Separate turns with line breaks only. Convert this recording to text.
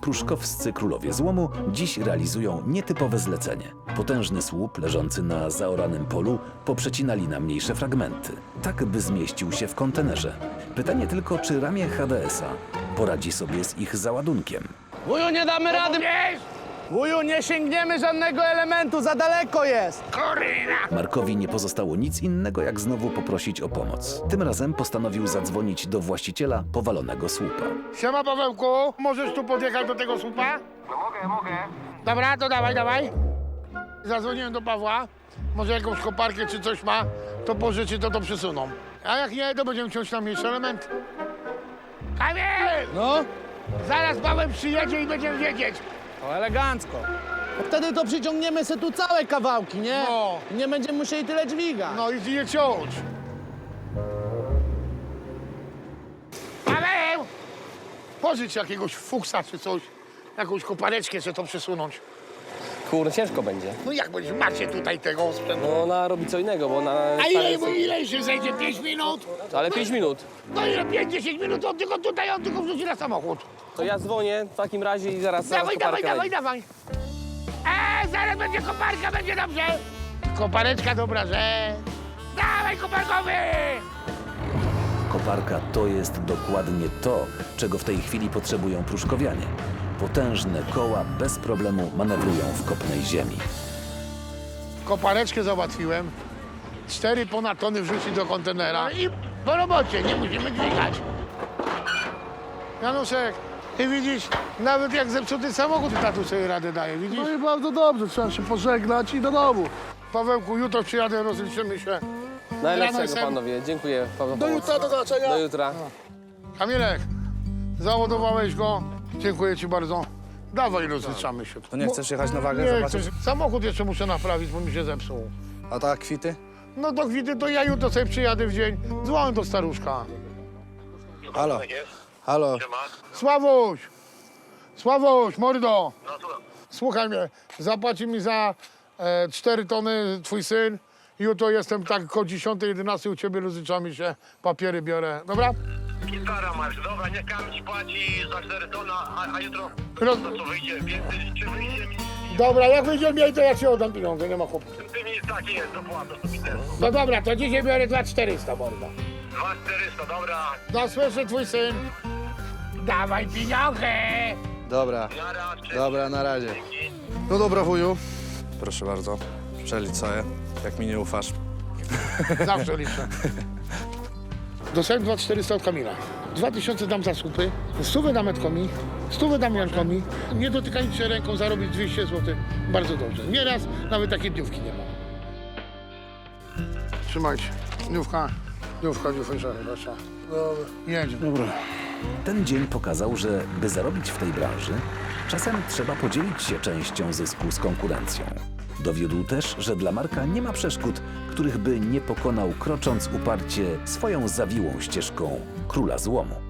pruszkowscy królowie złomu dziś realizują nietypowe zlecenie. Potężny słup leżący na zaoranym polu poprzecinali na mniejsze fragmenty, tak by zmieścił się w kontenerze. Pytanie tylko, czy ramię HDS-a poradzi sobie z ich załadunkiem.
Wuju, nie damy rady! Wuju, nie sięgniemy żadnego elementu, za daleko jest!
Markowi nie pozostało nic innego, jak znowu poprosić o pomoc. Tym razem postanowił zadzwonić do właściciela powalonego słupa.
Siema, Pawełku, możesz tu podjechać do tego słupa?
No mogę.
Dobra, to dawaj. Zadzwoniłem do Pawła, może jakąś koparkę czy coś ma, to pożyczy, to przesuną. A jak nie, to będziemy ciąć na mniejsze elementy. Kamil!
No,
Zaraz Paweł przyjedzie i będziemy wiedzieć.
to elegancko. Bo wtedy to przyciągniemy se tu całe kawałki, nie?
No.
Nie będziemy musieli tyle dźwigać.
No i je ciąć. Paweł! Pożycz jakiegoś fuksa czy coś, jakąś kopareczkę, żeby to przesunąć.
Kurde, ciężko będzie.
No jak będziesz, macie tutaj tego sprzętu.
No ona robi co innego, bo ona...
A ile się zejdzie? 5 minut?
Ale 5 minut.
No ile 5-10 minut, on tylko wrzuci na samochód.
To ja dzwonię w takim razie i zaraz koparkę leci.
Zaraz będzie koparka, będzie dobrze. Kopareczka, dobra rzecz. Dawaj, koparkowy!
Koparka to jest dokładnie to, czego w tej chwili potrzebują pruszkowianie. Potężne koła bez problemu manewrują w kopnej ziemi.
Kopareczkę załatwiłem. 4 ponad tony wrzucić do kontenera. I po robocie, nie musimy dźwigać. Januszek, ty widzisz, nawet jak zepsuty samochód, tatu sobie radę daje, widzisz?
No i bardzo dobrze, trzeba się pożegnać i do domu.
Pawełku, jutro przyjadę, rozliczymy się.
Najlepszego,
Ranosem.
panowie. Dziękuję.
Do jutra, do zobaczenia.
Do jutra.
Kamilek, załadowałeś go. Dziękuję ci bardzo. Dawaj, rozliczamy się.
To nie chcesz jechać na wagę,
Nie
zobaczyć?
chcę. Samochód jeszcze muszę naprawić, bo mi się zepsuł.
A tak, kwity?
No do kwity to ja jutro sobie przyjadę w dzień. Dzwonię do staruszka.
Halo, halo.
Sławuś, mordo. Słuchaj mnie, zapłaci mi za 4 tony twój syn. Jutro jestem tak koło 10-11 u ciebie, rozliczamy się, papiery biorę. Dobra?
Gitara masz, dobra, niech Kamil ci płaci za 4 tony, a jutro
Roz...
to co wyjdzie więcej, czy wyjdzie mi?
Dobra, jak wyjdzie mi, to ja ci oddam pieniądze, nie ma chłopu.
Ty mi taki jest, dopłata, to mi też.
No dobra, to dzisiaj biorę 2400, mordo.
2400, dobra.
No słyszy twój syn. Dawaj pieniądze!
Dobra,
Jara, cześć.
dobra, na razie.
Dzięki.
No dobra, wuju. Proszę bardzo, przelicz sobie, jak mi nie ufasz.
Zawsze liczę. Dostałem 2400 od Kamila. 2000 dam za słupy, 100 dam Edkomi, 100 dam Jankomi. Nie dotykając się ręką zarobić 200 zł. Bardzo dobrze. Nieraz nawet takiej dniówki nie ma. Trzymajcie. Dniówka, proszę. Dobra. Jedzie. Dobra.
Ten dzień pokazał, że by zarobić w tej branży, czasem trzeba podzielić się częścią zysku z konkurencją. Dowiódł też, że dla Marka nie ma przeszkód, których by nie pokonał, krocząc uparcie swoją zawiłą ścieżką króla złomu.